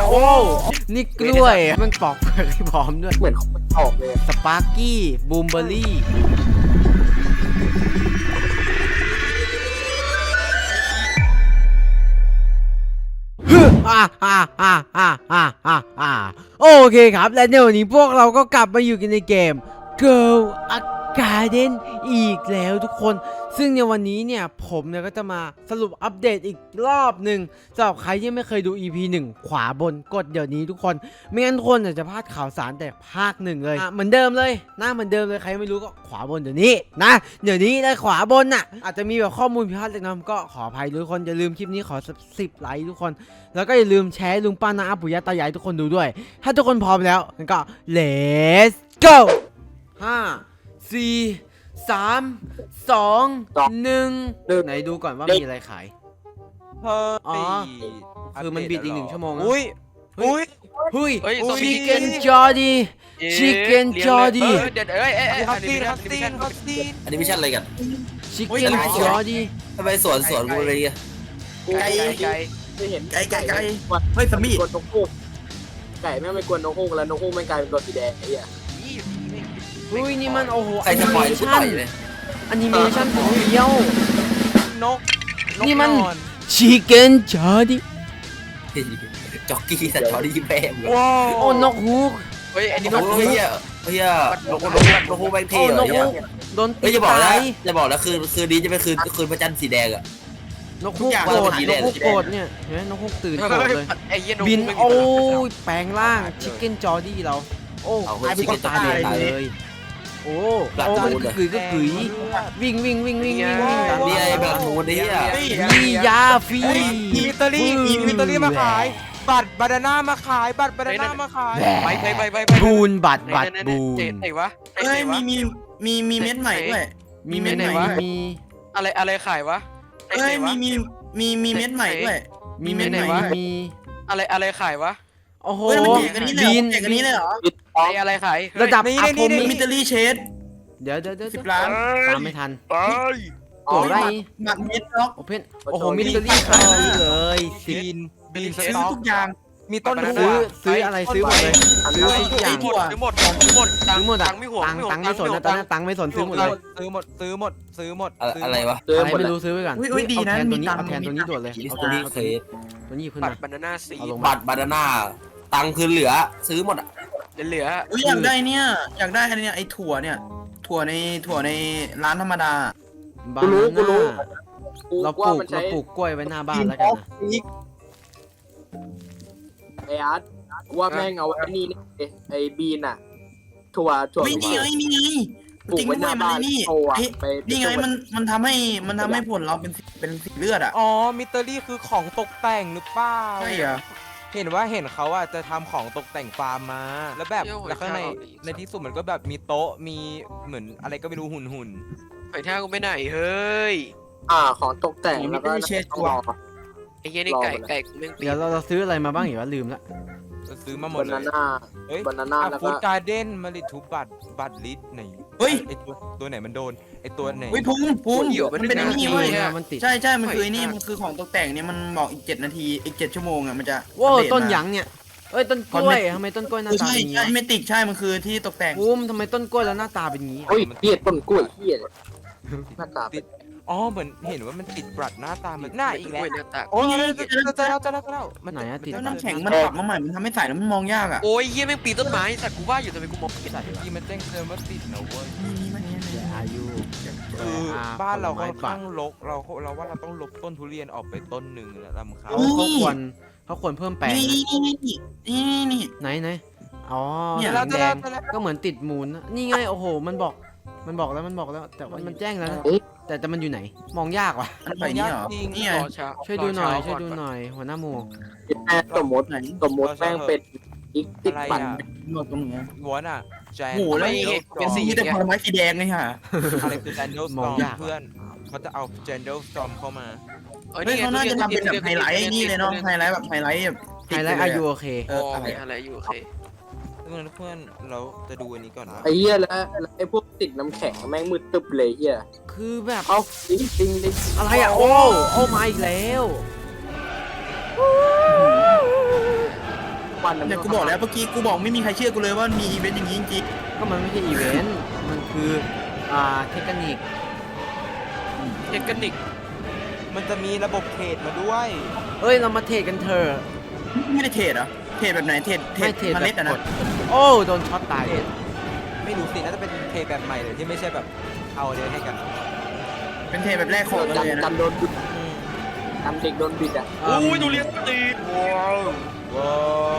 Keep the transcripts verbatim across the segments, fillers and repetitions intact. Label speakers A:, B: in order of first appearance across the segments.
A: โอ้นี่กล้วยมันปอกเปลือกให้พร้อมด้วย
B: เหมือนออกเลย
A: สปาร์กี้บูมเบอร์รี่อ่าอ่าอ่าอ่าอ่าอ่าอ่าโอเคครับและในวันนี้พวกเราก็กลับมาอยู่กันในเกม Girl a Garden อีกแล้วทุกคนซึ่งในวันนี้เนี่ยผมเนี่ยก็จะมาสรุปอัปเดตอีกรอบหนึ่งสำหรับใครที่ไม่เคยดู อี พี หนึ่งขวาบนกดเดี๋ยวนี้ทุกคนไม่งั้นทุกคนจะพลาดข่าวสารแต่ภาคหนึ่งเลยเหมือนเดิมเลยหน้าเหมือนเดิมเลยใครไม่รู้ก็ขวาบนเดี๋ยวนี้นะเดี๋ยวนี้ได้ขวาบนน่ะอาจจะมีแบบข้อมูลผิดพลาดเล็กน้อยก็ขออภัยทุกคนอย่าลืมคลิปนี้ขอสิบไลค์ทุกคนแล้วก็อย่าลืมแชร์ลุงป้าน้าอาปู่ย่าตายายทุกคนดูด้วยถ้าทุกคนพร้อมแล้วงั้นก็ let's go ห้าสี่สามสองหนึ่งไหนดูก่อนว่ามีอะไรขายอ๋อคือมันบิดอีกหนึ่งชั่วโมงอุ้ยอุ้ยอุ้ยชิคเก้นจอร์ดี้ชิคเก้นจอร์ดี้
C: เดี๋ยวเอ้ยเอ้ยฮัตซีนฮัตซีนฮัตซีน
D: อันนี้ไม่ใช่อะไรกัน
A: ชิคเก้นจอร์ดี้
D: ทำไมสวนสวนกูเลยอ่ะ
C: ไก่ไก่
B: ไม่เห็น
D: ไก่ไก่ไก่
B: เฮ้ยสมีกวนนกฮูกไก่แม่งไม่กวนนกฮูกแล้วนกฮูกแม่งกลายเป็นตัวสีแดงไอ้เหี้ย
A: อุ้ยนี่มันโอ้โห
D: ใครจะปล่อยปล่อยเลย
A: อนิเมชั่นของเดียวน
C: ก
A: นี่มันชิคเก้นจอร์ดี้
D: จ็อกกี้สัตว์เขาได้ยิ้มแป้ง
A: ว้าวโอ้นกฮูก
C: เฮ้ยอันนี้
D: นกฮูกเฮียเฮียนกนกนกฮูกแบงเท่เลยเนี่ย
A: โดน
D: ตีจะบอกนะจะบอกนะคืนคืนนี้จะเป็นคืนคืนพระจันทร์สีแดงอะ
A: นกฮูกโกรธนกฮูกโกรธเนี่ยเห็นไหมนกฮูกตื่นโกรธเลยบินโอ้ยแปลงร่างชิคเก้นจอร์ดี้เราโอ้ตายเป็นคนตายเลยโอ้โอ้มันก็คือก็คือวิ่งวิ่งวิ่งวิ่งวิ่งวิ่ง
D: นี่ไอ้แบบโหดนี่อ่ะ
A: มียาฟรี
C: มีมิตอรี่มีมิตอรี่มาขายบัตรบานาน่ามาขายบัตรบานาน่ามาขายไปไปไปไป
A: บูนบัตรบัตรบูน
C: ไหนวะ
D: เฮ้ยมีมีมีมีเม็ดใหม่ด้วย
A: มีเม็ดไหนวะมี
C: อะไรอะไรขายวะ
D: เฮ้ยมีมีมีมีเม็ดใหม่ด้วย
A: มีเม็ดไหนวะมี
C: อะไรอะไรขายวะ
A: โอ้โห
D: บีนอย่างนี้เลยเหรอ
C: ไออะไรขาย
A: ระดับอัพผม
D: มิตอรี่เชด
A: เดี๋ยวเดี๋ยวเดี๋ยว
D: สิบล้าน
A: ตามไม่ทัน
C: ไป
A: โอ้ย
D: หมักมิดล็อก
A: โอเพนโอ้โหมิตอรี่ขายเลย
C: บีนบีน
D: ซื้อทุกอย่าง
C: มีต้น
A: ซื้อซื้ออะไรซื้อหมดเลยซื้อทุกอย่าง
C: ซื้อหมดซื้อหมด
A: ซื้อหมดตังไม่ห่วงตังไม่สนนะตอนนั้นตังไม่สนซื้อหมดเลย
C: ซื้อหมดซื้อหมดซื้อหมด
D: อะไรวะ
A: อะไรไม่รู้ซื้อไปก่อน
D: อุ้ยดีนะ
A: ตัวนี้เอาแทนตัวนี้ด่วนเลย
D: เอาตัวนี้เคย
A: ตัวนี้ขึ้น
C: บั
A: มา
C: ตรบานาน่าสี
D: บัตรบานาน่าตังคือเหลือซื้อหมดอ่ะ
C: เหลือ
D: อุ้ยอยากได้เนี่ยอยากได้อันนี้ไอ้ถั่วเนี่ยถั่วในถั่วในร้านธรรมดา
A: บานาน่าเราปลูกเราปลูกกล้วยไว้หน้าบ้านแล้วกันนะ
B: ไออาร์ตว่าแม่งเอาไอ้นี่ไอ้บีนอะถั่วถั่ว
D: นี่ไงนี่ไง
B: ปลูกไว้หน้าบ้านนี่
D: นี่ไงมันมันทำให้มันทำให้ผลเราเป็นเป็นสีเลือดอ่ะ
C: อ๋อมิตอรี่คือของตกแต่งหรือเปล่า
D: ใช่เหรอ
C: เห็นว่าเห็นเขาอ่ะจะทำของตกแต่งฟาร์มมาแล้วแบบแล้วข้างในในที่สุดมันก็แบบมีโต๊ะมีเหมือนอะไรก็ไม่รู้หุ่นหุ่นไอ้ท่ากูไม่ไหนเฮ้ย
B: อ่าของตกแต่งแล้วก็
D: เชดตัว
C: ไอ้เงี้ยนี่ไก่ไก่กูแม่ง
A: เดี๋ยวเราเราซื้ออะไรมาบ้างอยู่วะลืมละ
C: ซื้อมาหมดเลย
B: บานาน่า
C: เฮ้ย
B: บานาน่าแล้วก็
C: ฟู้ดการ์เด้นมาลิทูบัตบัตลิทไหน
D: เฮ้ย
C: ไอตัวตัวไหนมันโดนไอตัวไหน
D: เฮ้ยพุ่งพุ่งมันเป็นนี่เว้ยใช่ใช่มันคือนี่มันคือของตกแต่งเนี่ยมันบอกอีกเจ็ดนาทีอีกเจ็ดชั่วโมงอ่ะมันจะ
A: ว้าวต้นหยางเนี่ยเอ้ยต้นกล้วยทำไมต้นกล้วยหน้าตาเป็นอย่างนี้
D: ใช่ไม่ติดใช่มันคือที่ตกแต่ง
A: ปุ้มทำไมต้นกล้วยแล้วหน้าตาเป็นอย่างนี้
B: เฮ้ยเหี้ยต้นกล้วยเหี้ยหน้าตา
C: ติดอ๋อเหมือนเห็นว่ามันติดบัตรหน้าตาเหมือนหน้าอีกแล้ว
D: โอ้ย
C: จะจะจะจะจะ
A: มันไหนอะติด
D: แล้วน้ำแข็งมันปรับมาใหม่มันทำให้ใส่แล้วมันมองยากอ่ะ
C: โอ้ยเหี้ยแม่งปีนต้นไม้สัตว์กูว่าอยู่ทำไมกูมองไม่เห็นที่มันแจ้งเตือนว่าติดนะเว้ย
A: อายุ
C: คือบ้านเราค่อนข้างรกเราเราว่าเราต้องลบต้นทุเรียนออกไปต้นหนึ่งแล้วลำเขา
A: เขาควรเขาควรเพิ่มแปลง
D: นี่นี่นี่นี่
A: ไหนไหนอ๋อแดงก็เหมือนติดมูลนี่ไงโอ้โหมันบอกมันบอกแล้วมันบอกแล้วแต่ว่ามันแจ้งแล้วแต่แต่มันอยู่ไหนมองยากว่ะ
D: มันไปนี่เหรอนี่ไง
A: ช่วยดูหน่อยช่วยดูหน่อยหัวหน้าหมู
B: สมมติสมมติแม่งเป็นอีกติดปั่น
D: หมดตรงนี้
C: หัวน่ะแจน
D: หมูแล้วเป็นสีแต่ผลไม้สีแดงเลยค่ะ
C: อะไรคือแจนเดลสตอมเพื่อนเขาจะเอาแจนเดลสตอมเข้ามา
D: เฮ้ยเขาน่าจะทำเป็นแบบไฮไลท์นี่เลยเนาะไฮไลท์แบบไฮไลท์แบบ
A: ไฮไลท์อายุโอเค
C: เอออะไรอายุโอเคเพื่อนเพื่อนเราจะดูอันนี้ก่อนนะ
B: ไอ้เหี้ยแล้วไอ้พวกติดน้ำแข็งแม่งมืดตึ๊บเลยเหี้ย
A: คือแบบ
B: เอาจริงจริงเลย
A: อะไรอ่ะโอ้โอ้มาอีกแล้ว
B: นะ
D: เนี่ยกูบอกแล้วเมื่อกี้กูบอกไม่มีใครเชื่อกูเลยว่ามีอีเวนต์อย่างนี้จริง
A: ก็มันไม่ใช่อีเวนต์มันคืออ่าเทคนิค
C: เทคนิคมันจะมีระบบเทรดมาด้วย
A: เอ้ยเรามาเทรดกันเถอะ
D: ๆไม่ได้เทรดเหรอเทรดแบบไหนเทรดเทร
A: ไม่
D: ด
A: เทรด
D: เม
A: แบ
D: ล็ด
A: บ
D: อะ
A: ก
D: นะ
A: ดโอ้โดนช็อตตาย
C: ไม่รู้สิน่าจะเป็นเทรดแบบใหม่เลยที่ไม่ใช่แบบเอาเลยให้กัน
D: เป็นเทรดแบบแรกของ
B: กัน
D: เลย
B: กั
D: นะ
B: นโดนบิดกันเด็กโดนบิดอ่ะ
A: โอ้ย
C: ดูเรียนตีว้าวว้าว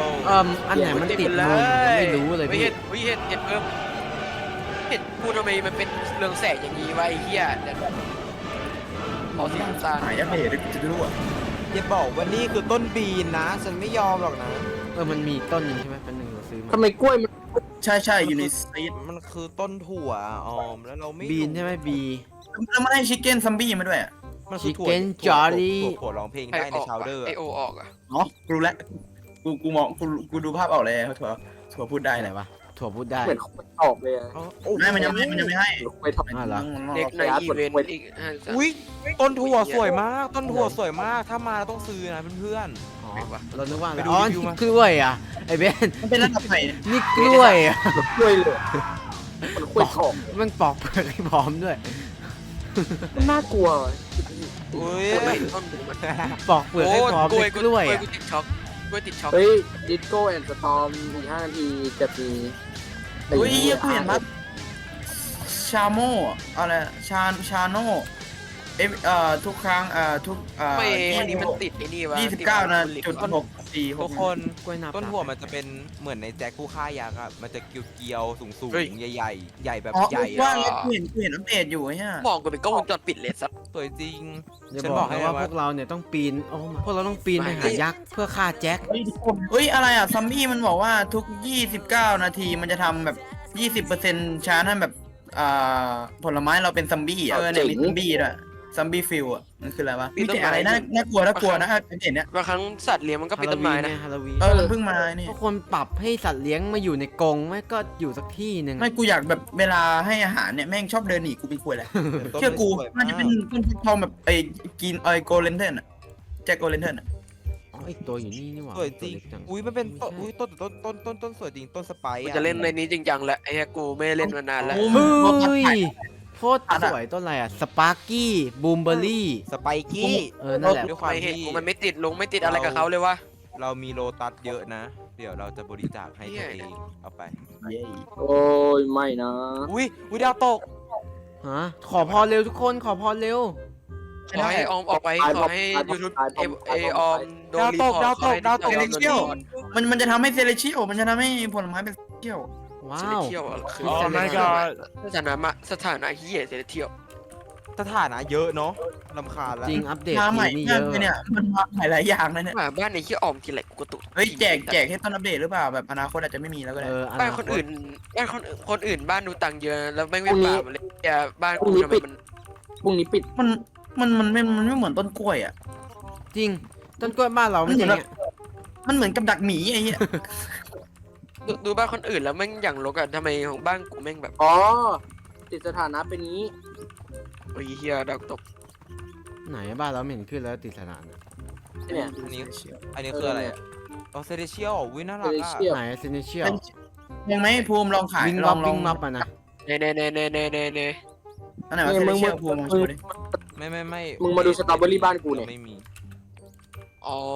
A: เอ่มอันไหนมันติดมุมยังไม่รู้เลย
E: ไม่
A: พี่
E: เห็นไม่เห็นเห็นเพิ่มเห็นพูดทำไมมันเป็นเรืองแสงอย่างนี้วะไอ้เหี้ยเดี๋ยวขอสีน้ำตาล
D: หายเพจจะรู้อ่ะ
C: อย่าบอกว่านี่คือต้นบีนนะ ฉันไม่ยอมหรอกนะ
A: เออมันมีต้นหนึงใช่ไหมเป็นหนึ่งเราซื้อมา
B: ทำไมกล้วยมัน
D: ใช่ใช่อยู่ในซีด
C: มันคือต้นถั่วออมแล้วเราไม่
A: บีนใช่ไหมบี
D: แล้วมันให้ชิคเก้นซัมบี้มาด้วยอ่ะ
C: มันคือถั่ว
A: Chicken
C: ถั่ว
A: Jolly
C: ถั่วถั่วร้องเพลงได้ในชาวเดอร์
E: ไอโอออกอ่ะ
D: อ๋อกูรู้แล้วกูกูมองกูกูดูภาพออกเลยถั่วถั่วพูดได้
A: อะไร
D: แหละ
A: วะถั่วพูดได้
B: เหมือนเขาออกเลยอะ
D: ไม่มันยังไม่มันยังไม่ให้
B: ไม่ทำ
A: อ่าเหรอ
E: เด็กในอีเวนต์อีกห้าสิบ
C: อุ้ยต้นถั่วสวยมาก ต้นถั่วสวยมาก ถ้ามาเราต้องซื้อนะเพื่อน
A: อ๋อเรานึกว่าอะไร
C: ไปดู
A: อ๋อ
C: รีวิว
A: นี่
C: มา
A: กล้วยอ่ะไอเบน
D: มันเป็นระดับไหน
A: นี่กล้วยอ่ะ
B: กล้วยเลยมันกล้วยทอง
A: มันปอกเปลือกให้พร้อมด้วย
B: มันน่ากลัว
C: ๆอุ้ย
E: ไม่เห็นต้นมัน
A: ปอกเปลือกให้พร้อมเป็นกล้วย
E: กล้วย
A: อ่ะ
E: กูติดช็อกกล้วยติดช็อก
B: เฮ้ยดิสโก้แอนด์สตอมอีกห้านาทีจะมี
D: เฮ้ยกูเห็นมั้ยชาโมอะไรชาชาโนเอฟเอ่อทุกครั้งเอ่อทุกเอ่อ
E: ไม่อันนี้มันติดไอ้นี่วะ
D: ยี่สิบเก้านะจุดหกสี่ห
C: ทุ
D: ก
C: กคน
A: กล้วยนาบ
C: ต้นถั่วมันจะเป็นเหมือนในแจ็คผู้ฆ่ายักษ์อะมันจะเกลียวๆสูงๆใหญ่ๆ ใหญ่แบบ
D: อ๋อ
C: ใหญ่
D: ว่า
C: อะ
D: กูเห็นกูเห็นอัปเดตอยู่ฮะ
E: มองกูเป็นกล้องวงจรปิดเลยสัส
C: สวยจริง
A: เดี๋ยว
C: ฉัน
A: บบ อ
C: อก กให้
A: ให้ว่า
C: ว่า
A: พวกเราเนี่ยต้องปีนโอ้พวกเราต้องปีนไปหายักษ์เพื่อฆ่าแจ็ค
D: เฮ้ยทุกคนเฮ้ยอะไรอ่ะซัมบี้มันบอกว่าทุกยี่สิบเก้านาทีมันจะทำแบบยี่สิบเปอร์เซ็นต์ชาร์จให้แบบอ่าผลไม้เราเป็นซัมบี้อ่ะเออเนี่ยมีซัมบี้ด้วยซัมบี้ฟิลอ่ะมันคืออะไรวะมีแต่อะไรน่าน่ากลัวน่ากลัวนะอัปเดตเนี้ย
E: บางครั้งสัตว์เลี้ยงมันก็เป็นต้นไม้นะ
A: ฮาโลวีน
D: เออมันเพิ่งมานี่
A: ทุกคนปรับให้สัตว์เลี้ยงมาอยู่ในกรงไม่ก็อยู่สักที่หนึ่ง
D: ไม่กูอยากแบบเวลาให้อาหารเนี่ยแม่งชอบเดินหนีกูเป็นควยแหละเชื่อกูมันจะเป็นต้นทองแบบไอ้กินไอ้โกเลนเทนอ่ะแจ็คโกเลนเทนอ่ะ
A: อ๋ออีกตัวอยู่นี่นี่หว่า
C: สวยจริง
A: ตัวเล็กจัง
C: อุ้ยมันเป็นต้นอุ้ยต้นต้นต้นต้นต้นสวยจริงต้นสไปซ์
E: กู
C: อะ
E: จะเล่นในนี้จริงจังแหละไอ้เหี้ยกูไม่ได้เล่นมานานแล้ว
A: เฮ้ยโคตรสวยต้นอะไรอ่ะสปาร์กี้บูมเบอรี่
C: สไปกี้
A: เออนั่นแหละ
C: ด้วยความ
E: ไม่เห็น
C: ที่
E: กูมันไม่ติดลงไม่ติดอะไรกับเขาเลยวะ
C: เรามีโลตัสเยอะนะ เดี๋ยวเราจะบริจาคให้
E: เหี้
C: ตัวย เองเอาไป
D: เย้
B: โอ้ยไม่นะ
C: อุ้ยอุ้ยดาวตก
A: ฮะขอพรเร็วทุกคนขอพรเร็ว
E: ขอให้ออมออกไปขอให้ยูทูบเอเอออมโดน
C: ดาว
E: รี
C: ต
E: พ
C: ก
E: อร์ต
C: ดาว
E: ข
C: ต
E: อก ให้
C: ดาวตก
E: โดนรีพอร์ต
D: มันมันจะทำให้เซเลเชียลมันจะทำให้ผลไม้เป็นเชียล
A: ว้า
E: เซเล
A: ว
E: เทียลอะคือ
A: โอ้
E: ส
A: my
E: ถา
A: god
E: นะสถานะมาสถานะเฮียเซเลเทียล
C: สถานะเยอะเนาะลำคาญแล้ว
A: จริงอัปเดต
D: มาใหม่
A: ทีนี่
D: มา
A: เย
D: ก
A: อะ
D: เลยเนี่ยมันมาหลายหลายอย่างนะเนี่ย
E: หมาบ้านในเฮียออมกินอะไรกูกระตุก
D: เฮ้ยแจกแจกให้ต้นอัปเดตหรือเปล่าแบบอนาคตอาจจะไม่มีแล้วก็ได้
A: เอออ
E: บ้าน
A: นา
E: คน
A: ต
E: อื่นบ้านคนคนอื่นบ้านดูตังค์เยอะแล้วไม่ไม่ป่าเลยอย่าบ้านกูทำไมมัน
B: พรุ่งนี้ปิด
D: มันมันมันไม่มันไม่เหมือนต้นกล้วยอ่ะ
A: จริงต้นกล้วยบ้านเราไม่ใช่อย่างเงี้ย
D: มันเหมือนกับดักหมีไอ้เหี้ย
E: ดูดูบ้านคนอื่นแล้วแม่งอย่างรกอะทำไมของบ้านกูแม่งแบบ
B: อ๋อติดสถานะเป็นนี้
E: โอ้ยเฮียดาวตก
A: ไหนบ้านเราไม่เห็นขึ้นแล้วติดสนานอะ
B: เนี่ย
C: อันนี้อันนี้คืออะไรอะอ๋อเซเลเชียลวิน่ารักอะ
B: Celestial
A: ไหนเซนเชียล
D: ยังไหมภูมิลองขาย
A: วิง
D: ล
A: วั
D: อบ งลอ
A: วิ
D: ง
A: งวับอ่ะนะ
E: เน่เน่เน่เน่เน่เน่เน่
D: อันไหนวะเซเลเชียลภูมิลองดูดิ
C: ไม่ไม่ไม่
B: มึงมาดูสตรอเบอรี่บ้านกูเนี่ย
C: ไม่มี
E: อ๋อ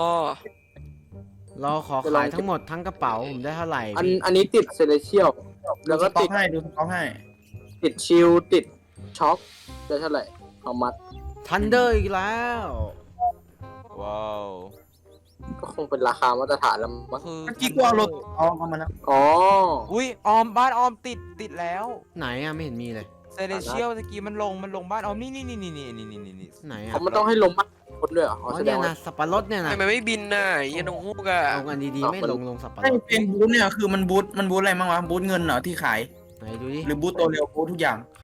A: เราขอขายทั้งหมดทั้งกระเป๋าผมได้เท่าไหร่
B: อันอันนี้ติดเซเลเชียล แล้วก็
D: สต็อ
B: ติ
D: ก
B: ด
D: ให้ดูสต็อกให้
B: ติดชิลติดช็อคได้เท่าไหร่เอามัด
A: ทันเดอร์อีกแล้ว
C: ว้าว
B: ก็คงเป็นราคามาตรฐานแล้วมั้ง
C: คือ
D: เมื่อกี้กูเอารถเอาเอามาแล้ว
B: อ๋อ
C: อุ้ยออมบ้านออมติดติดแล้ว
A: ไหนอ่ะไม่เห็นมีเลย
C: เซเลเชียลตะกี้มันลงมันลงบ้านออมนี่นี่นี่นี่นี่นี่นี่นี่
A: ไหนอ่ะ
B: เขามันต้องให้ลงบ้านคนด้วยเหรอ
A: อ๋
B: อ๋
A: อ
B: อแสด
A: เนี่ย
B: งว่า
A: นะสับปะรดเนี่ยนะ
E: ทำไมไม่บินน่ะไอ้เฮียน้องฮูกอะ
A: เอากันดีๆไม่ลงลงสับปะร
D: ไอ้
A: ด
D: เป็นบูธเนี่ยคือมันบูธมันบูธอะไรบ้างวะบูธเงินเหรอที่ขาย
A: ไหนดูดิ
D: หรือบูธตัวเร็วบูธทุกอย่าง